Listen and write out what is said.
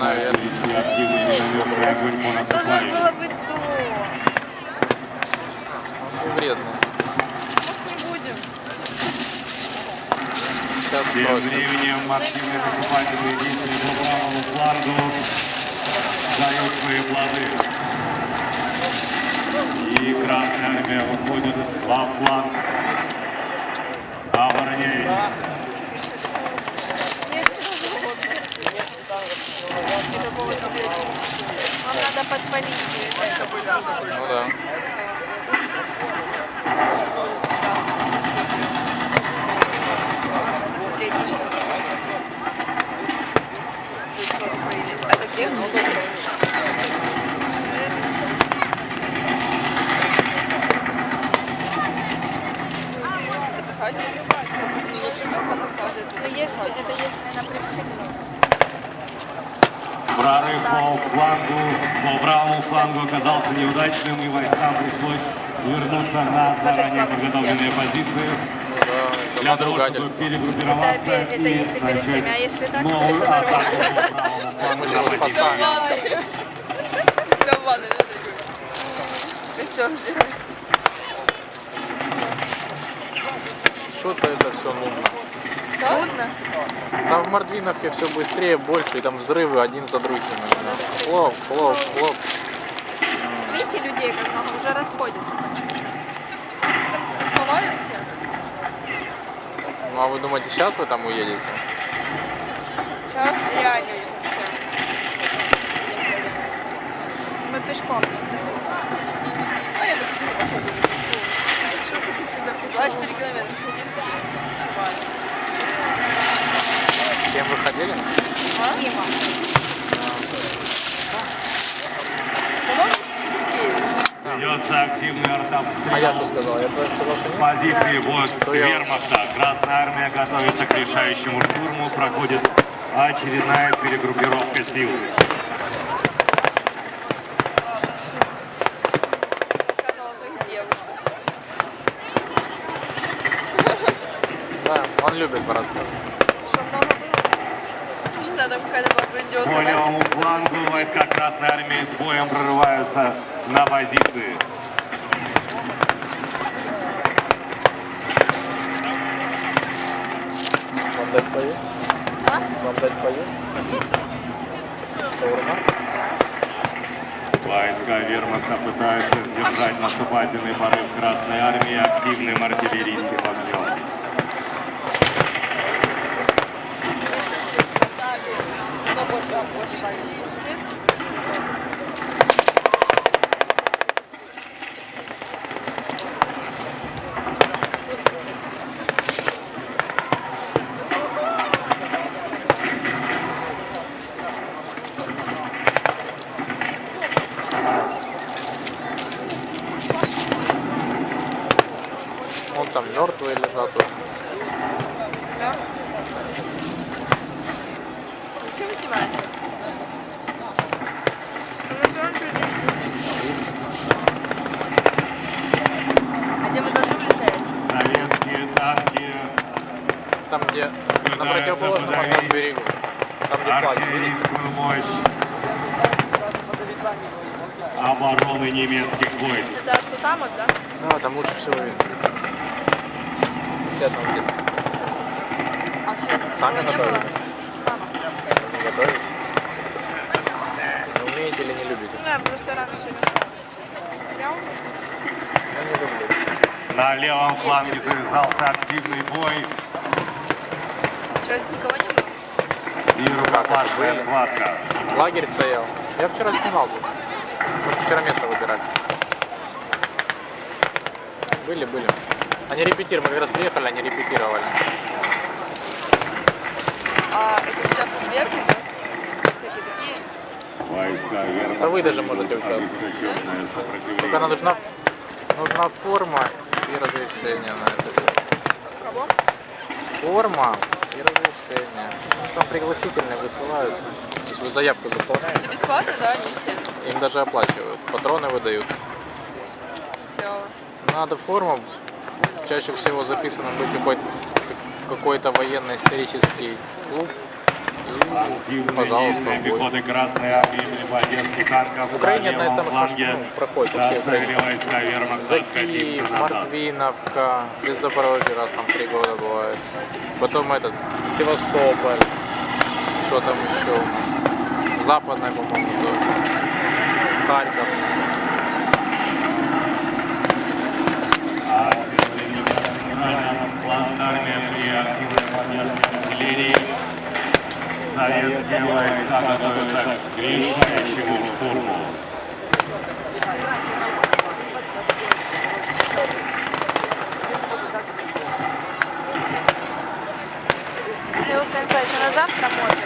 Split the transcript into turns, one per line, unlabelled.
Должно было быть до.
Вредно.
Может, не будем.
Сейчас
Тем
спросим.
временем активные наступательные действия по правому флангу дают свои плоды. И Красная Армия выходит во фланг, обороняющий.
Нам надо подпалить.
Ну да.
Это где? Ну, если это если на привселенную.
Прорыв по флангу, по правому флангу оказался неудачным, и войскам пришлось вернуться на заранее подготовленные позиции.
Это
Для того, чтобы
надругательство.
перегруппироваться
Это
и
если перед
начать
всеми, а если так, то
новую
это
атаку
нормально.
по правому флангу
Мы же его
нападения.
спасаем.
Себя в ванной, да, такой? Костер сделать.
Что-то это все нудно.
Что? Трудно?
Там в Мордвиновке все быстрее, больше, и там взрывы один за другим. Хлоп, хлоп, хлоп.
Видите, людей как много, уже расходятся по чуть-чуть. Так повалят все?
Ну а вы думаете, сейчас вы там уедете?
Сейчас реально вообще. Мы пешком. А я так что пошел. 24 километра сходился. Нормально.
С кем вы ходили?
С Димом. По-моему, Сергеевич.
Ведется активный
А я
артобстрел.
что сказал? Я просто сказал, что нет?
Позиции войск
То я-
вермахта. Красная Армия готовится к решающему штурму. Проходит очередная перегруппировка сил.
Сказала о своих девушках.
Да, он любит порассказывать.
Что много было? Не знаю, там какая-то была
По
грандиозная
левому флангу войска Красной Армии с боем прорываются на позиции.
Вам дать поесть?
А?
Вам дать поесть? Шаурма?
Войска вермахта пытаются сдержать наступательный порыв Красной Армии активным артиллерийским огнем.
Вон там мертвые лежат.
Да? Зачем вы снимаете? Ну, всё равно ничего не видно. А где мы должны были стоять?
Советские танки,
Там, где на противоположном от нас берегу. Там, где флаг.
артиллерийскую мощь обороны немецких войск.
Это что там вот, да?
Да, там лучше всего видно. Сидят там где-то.
А вчера здесь
Сами
никого не
готовили?
было? Мама.
Не готовить? Не умеете или не любите?
Ну, я просто рано сегодня. Я умею.
Я не люблю.
На левом фланге завязался активный бой
Вчера здесь никого не было?
и рукопашная
Были.
схватка.
Лагерь стоял. Я вчера снимал тут. Мы вчера место выбирали. Были. Они репетировали. Мы как раз приехали, они репетировали.
А это сейчас верхний, да? Всякие такие.
Войска вермахта
Да вы даже можете
ведут
участвовать.
ожесточенное сопротивление.
Только нам нужна форма и разрешение на это дело.
Кого?
Форма и разрешение. Ну, там пригласительные высылаются. То есть вы заявку заполняете,
Это бесплатно, да, не все?
им даже оплачивают. Патроны выдают.
Клево.
Надо форму. Чаще всего записано быть какой-то военно-исторический клуб Пожалуйста,
Активные
бой.
пехоты Красной Армии имени поддержки танков.
В Украине
на
одна из
левом
самых
фланге.
проходит по всей Украине.
Красные войска вермахта
За
откатиться
Киев,
назад.
Морквиновка, здесь Запорожье раз там 3 года бывает. Потом этот, Севастополь, что там еще у нас? Западная, по-моему, тоже. Харьков.
А плацдарме при активной поддержке артиллерии советские войска готовятся к решающему штурму.
Александр Николаевич, а на завтра модно?